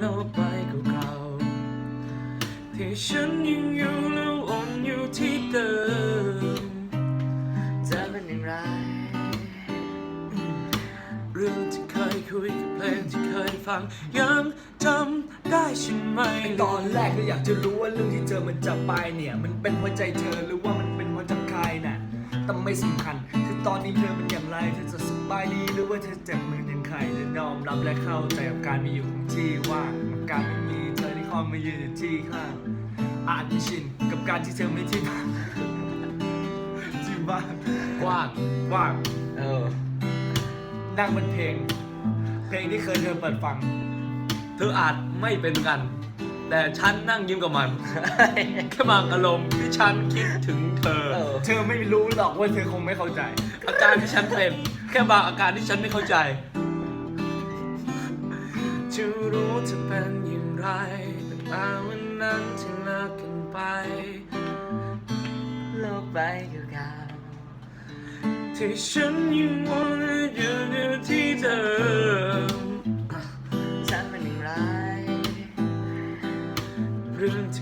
โลกใบเก่าๆที่ฉันยังอยู่แล้ววนอยู่ที่เดิมจะเป็นอย่างไรเรื่องที่เคยคุยกับเพลงที่เคยฟังยังจำได้ใช่ไหมตอนแรกก็อยากจะรู้ว่าเรื่องที่เจอมันจะไปเนี่ยมันเป็นเพราะใจเธอหรือว่ามันเป็นเพราะใจใครน่ะแต่ไม่สำคัญคือตอนนี้เธอเป็นอย่างไรเธอจะสบายดีหรือว่าเธอเจ็บมือยังใครจะยอมรับและเข้าใจกับการมีอยู่ของที่ว่างกับการไม่มีเธอที่คอยมายืนอยู่ที่ข้างอาจไม่ชินกับการที่เธอไม่ที่บ้านที่บ้านกว้างว่างนั่นั่งบนเพลงที่เคยเธอเปิดฟังเธออาจไม่เป็นกัน แต่ฉันนั่งยิ้มกับมัน แค่บางอารมณ์ที่ฉันคิดถึงเธอเธอไม่รู้หรอกว่าเธอคงไม่เข้าใจอาการที่ฉันเป็นแค่บางอาการที่ฉันไม่เข้าใจจะรู้จะเป็นอย่างไรแต่มาวันนั้นที่เลิกกันไปโลกใบเก่าๆที่ฉันยังวนอยู่ที่